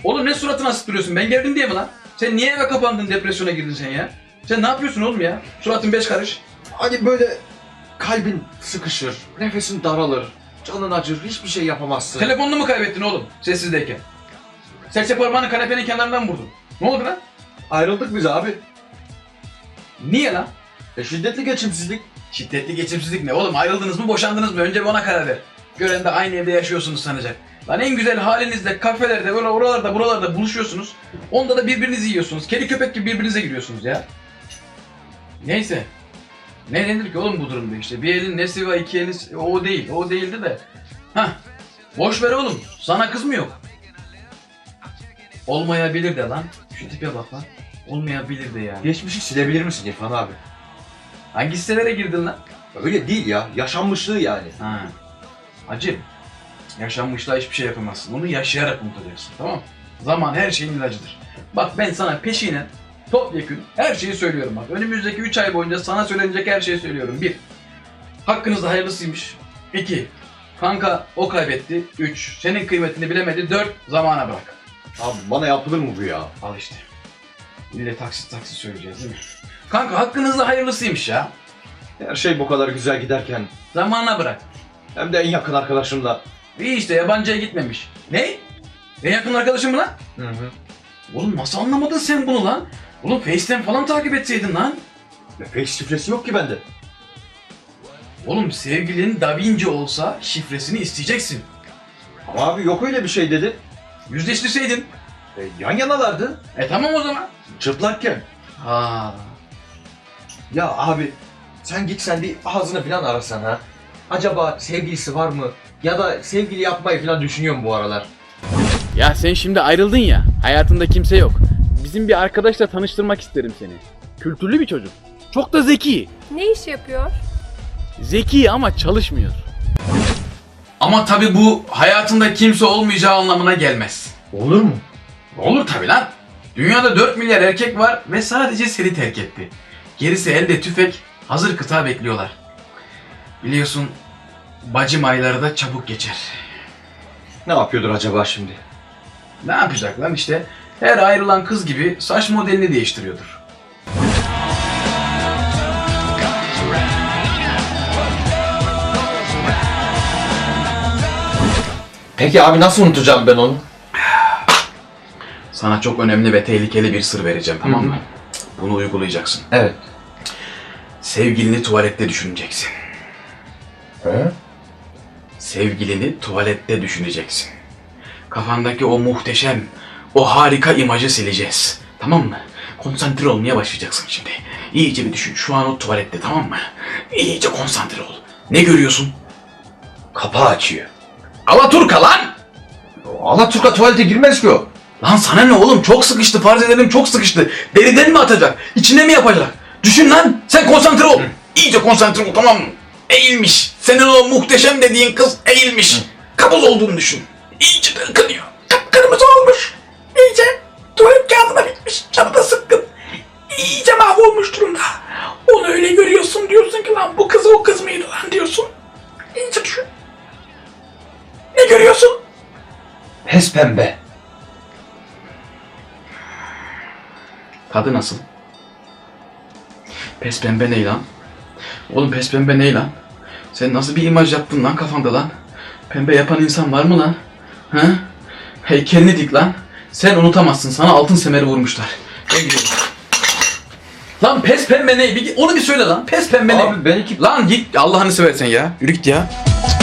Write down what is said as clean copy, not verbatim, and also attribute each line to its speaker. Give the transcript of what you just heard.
Speaker 1: Oğlum ne suratını asıp duruyorsun? Ben geldim diye mi lan? Sen niye eve kapandın, depresyona girdin sen ya? Sen ne yapıyorsun oğlum ya? Suratın beş karış.
Speaker 2: Hani böyle kalbin sıkışır, nefesin daralır, canın acır, hiçbir şey yapamazsın.
Speaker 1: Telefonunu mu kaybettin oğlum sessizdeyken? Serçe parmağını kanepenin kenarından vurdun. Ne oldu lan?
Speaker 2: Ayrıldık biz abi.
Speaker 1: Niye lan?
Speaker 2: Şiddetli geçimsizlik.
Speaker 1: Şiddetli geçimsizlik ne oğlum? Ayrıldınız mı, boşandınız mı? Önce bir ona karar ver. Gören de aynı evde yaşıyorsunuz sanacak. Lan en güzel halinizde kafelerde, oralarda, buralarda buluşuyorsunuz. Onda da birbirinizi yiyorsunuz. Kedi köpek gibi birbirinize giriyorsunuz ya. Neyse. Ne denir ki oğlum bu durumda işte? Bir elin nesi var, iki elin... O değil, o değildi de. Hah. Boş ver oğlum. Sana kız mı yok? Olmayabilir de lan. Şu tipe bak lan. Olmayabilir de yani.
Speaker 2: Geçmişi silebilir misin İrfan abi?
Speaker 1: Hangi sitelere girdin lan?
Speaker 2: Öyle değil ya, yaşanmışlığı yani.
Speaker 1: Ha. Acım. Yaşanmışlığa hiçbir şey yapamazsın. Onu yaşayarak unutacaksın, tamam mı? Zaman her şeyin ilacıdır. Bak ben sana peşinen topyekün her şeyi söylüyorum bak. Önümüzdeki 3 ay boyunca sana söylenecek her şeyi söylüyorum. 1. Hakkınızda hayırlısıymış. 2. Kanka o kaybetti. 3. Senin kıymetini bilemedi. 4. Zamana bırak.
Speaker 2: Abi bana yapılır mı bu ya?
Speaker 1: Al işte. İlle taksit söyleyeceğiz değil mi? Kanka hakkınızda hayırlısıymış ya.
Speaker 2: Her şey bu kadar güzel giderken,
Speaker 1: Zamana bırak.
Speaker 2: hem de en yakın arkadaşımla.
Speaker 1: İyi işte yabancıya gitmemiş. Ne? En yakın arkadaşın mı lan?
Speaker 2: Hı.
Speaker 1: Oğlum nasıl anlamadın sen bunu lan? Oğlum Face'ten falan takip etseydin lan.
Speaker 2: Face şifresi yok ki bende.
Speaker 1: Oğlum sevgilin Da Vinci olsa şifresini isteyeceksin.
Speaker 2: Ama abi yok öyle bir şey dedi.
Speaker 1: Yüzleştirseydin.
Speaker 2: Yan yanalardı.
Speaker 1: Tamam o zaman.
Speaker 2: Çıplakken.
Speaker 1: Ha.
Speaker 2: Ya abi sen git sen bir ağzını falan arasan ha. Acaba sevgilisi var mı? Ya da sevgili yapmayı falan düşünüyor mu bu aralar?
Speaker 3: Ya sen şimdi ayrıldın ya, hayatında kimse yok. Bizim bir arkadaşla tanıştırmak isterim seni. Kültürlü bir çocuk. Çok da zeki.
Speaker 4: Ne iş yapıyor?
Speaker 3: Zeki ama çalışmıyor.
Speaker 1: Ama tabi bu hayatında kimse olmayacağı anlamına gelmez.
Speaker 2: Olur mu?
Speaker 1: Olur tabi lan. Dünyada 4 milyar erkek var ve sadece seni terk etti. Gerisi elde tüfek, hazır kıta bekliyorlar. Biliyorsun bacım ayları da çabuk geçer.
Speaker 2: Ne yapıyordur acaba şimdi?
Speaker 1: Ne yapacak lan işte? Her ayrılan kız gibi saç modelini değiştiriyordur.
Speaker 2: Peki abi nasıl unutacağım ben onu?
Speaker 1: Sana çok önemli ve tehlikeli bir sır vereceğim, tamam mı? Bunu uygulayacaksın.
Speaker 2: Evet.
Speaker 1: Sevgilini tuvalette düşüneceksin.
Speaker 2: He?
Speaker 1: Sevgilini tuvalette düşüneceksin. Kafandaki o muhteşem, o harika imajı sileceğiz. Tamam mı? Konsantre olmaya başlayacaksın şimdi. İyice bir düşün. Şu an o tuvalette, tamam mı? İyice konsantre ol. Ne görüyorsun?
Speaker 2: Kapağı açıyor.
Speaker 1: Alaturka lan!
Speaker 2: Alaturka tuvalete girmez ki o.
Speaker 1: Lan sana ne oğlum? Çok sıkıştı. Farz edelim çok sıkıştı. Deriden mi atacak? İçine mi yapacak? Düşün lan. Sen konsantre ol. İyice konsantre ol, tamam mı? Eğilmiş. Senin o muhteşem dediğin kız eğilmiş. Kabuz olduğunu düşün. İyice de ıkınıyor. Kıpkırmızı olmuş. İyice tuvalet kağıdına bitmiş. Canı da sıkkın. İyice mahvolmuş durumda. Onu öyle görüyorsun, diyorsun ki lan bu kız o kız mıydı lan diyorsun. İyice düşün. Ne görüyorsun?
Speaker 2: Pes pembe.
Speaker 1: Tadı nasıl? Pes pembe ne lan? Oğlum pes pembe ne lan? Sen nasıl bir imaj yaptın lan kafanda lan? Pembe yapan insan var mı lan? Ha? Heykelini dik lan. Sen unutamazsın. Sana altın semeri vurmuşlar. Ben gidiyorum. Lan pes pembe ne? Onu bir söyle lan. Pes pembe ne?
Speaker 2: Abi ben iki...
Speaker 1: Lan git Allah'ını seversen ya. Yürü git ya.